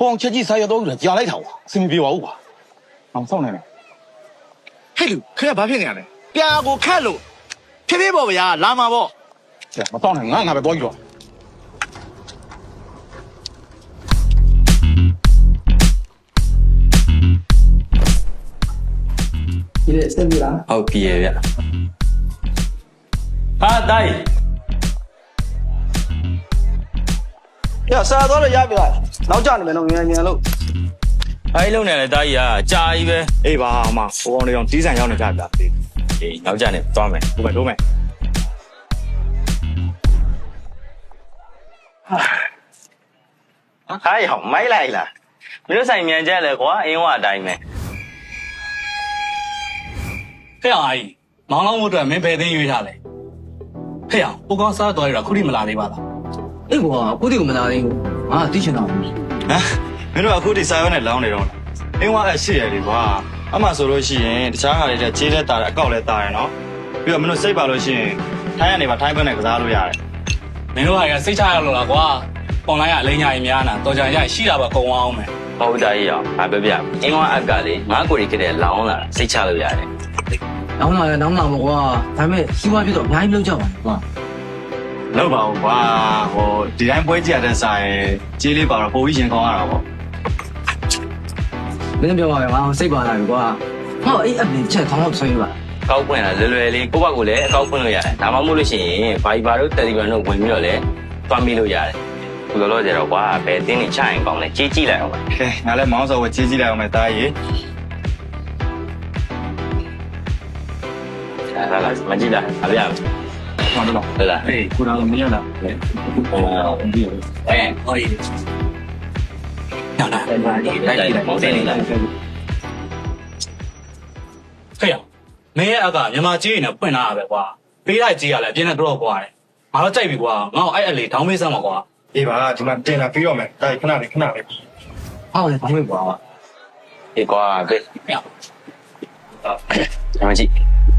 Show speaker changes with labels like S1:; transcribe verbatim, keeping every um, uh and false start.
S1: ပေါင်ချက်ကြီးစားရတော့တယ်ကြာလိုက်တာကွာအဆင်မပြေပါဘူးကွာအောင်စောင့်နေတယ်
S2: ဟဲ့လူခင်ဗျာဘာဖြစ်နေရလဲပြာကိုခတ်လို့ဖြည်းဖြည်းပေါ့ဗျာလာမှာပေါ့
S1: ကဲမစောင့်နဲ့ငါငါပဲသွားကြည့်တော့
S3: ဒီလေစက်ပြီလား
S4: ဟုတ်ပြီရဲ့ဗျဟာတိုင်း
S3: ရဆရာတော့ရပြီလားနောက်ကျနေမယ်နော်မြန်မြန်လို့
S4: အဲ့လုံးနေလေတိုင်းကြီးကကြာကြီးပဲ
S2: အေးပါအမဟိုကောင်တွေအောင်တီးဆိုင်ရောက်နေကြဗျာ
S4: အေးနောက်ကြနေသွားမယ်
S2: ဟုတ်မယ်တို့မယ်
S4: ဟာဟောမိုက်လိုက်လားမင်းတို့ဆိုင်မြန်ကြလဲကွာအင်းဝအတိုင်းပဲ
S5: ဖះအားကြီးမောင်လောင်းမို့အတွက်မင်းဘယ်သိမ်းရွေးထားလဲဖះကိုကောင်းစားတော်ရတာခုထိမလာသေးပါလား
S3: အေးကွာကိုတိကမလာသေးဘူးငါတိချင်တော့
S6: ဟမ်မင်းတို့အခုဒီစာရွက်နဲ့လောင်းနေတော့လားအင်းဝအဲ့ရှိရလေကွာအမှဆိုလို့ရှိရင်တခြားဟာတွေတဲ့ခြေလဲတာတယ်အကောက်လဲတာတယ်နော်ပြီးတော့မင်းတို့စိတ်ပါလို့ရှိရင်ထိုင်းကနေပါထိုင်းဘက်နဲ့ကစားလို့ရတယ်
S5: မင်းတို့ဟာကစိတ်ချရလို့လားကွာအွန်လိုင်းကအလိညာကြီးများနာတော်ကြရရှိတာပါကုံအောင်မယ်
S4: ဟုတ်တိုင်းကြီးအောင်ဟာပြပြအင်းဝအက်ကလေငါကိုရီခတဲ့လောင်းလာစိတ်ချလို့ရတယ်
S3: နောင်လာရနောင်လာမကွာဒါပေမဲ့စီးပွားပြတော့အများကြီးလောက်ကြပါကွာ
S6: လောက်ပါဘူးကွာဟိုဒီတိုင်းပွဲကြည့်ရတဲ့ဆိုင်ခြေလေးပါတော့ပိုပြီးရင်ကောင်းရတာပေါ့
S3: မင်းပြောပါမယ်ငါစိတ်ပါလာပြီကွာဟောအေးအပြင်ချက်ခေါင်းတော့ဆွေးပါ
S4: ကောက်ပွင့်လာလွယ်လွယ်လေးကိုယ့်ဘက်ကိုလည်းအကောက်ပွင့်လို့ရတယ်ဒါမှမဟုတ်လို့ရှိရင်ဗိုင်ဘာတို့တယ်လီဂရမ်တို့ဝင်ပြီးတော့လည်းတွားမိလို့ရတယ်ခုလောလောဆယ်တော့ကွာဘယ်တင်းနေချရင်ကောင်းလဲကြီးကြည့်လိုက်အောင်ပါ
S6: ကဲငါလည်းမောင်းစော်ဝခြေကြည့်လိုက်အောင်မယ်တားကြီး
S4: လာလာမကြည့်လားအပြာ
S6: ဟုတ်တယ်လား
S4: ဟုတ်လား
S6: အေးကိုတော်မင်းရလား
S5: အဲဟောကြီးညလာ
S4: တိုက်ကြည့်လိုက်မောင်းတင်နေလား
S5: ဖះမင်းရဲ့အကမြန်မာကြီးနေပွင့်လာတာပဲကွာပေးလိုက်ကြီးရလဲအပြင်းနဲ့တော့ကွာတယ်ငါတော့ကြိုက်ပြီကွာငါ့ကိုအဲ့အလေဒေါင်းမေးစမ်းပါကွာ
S2: အေးပါဒီမှာတင်လာပြီးတော့မယ်တာခဏလေးခဏလေး
S3: ဟောလေဘာမှမကွာ
S4: ဒီကွာဘေး
S5: ဖះ
S4: မကြည့်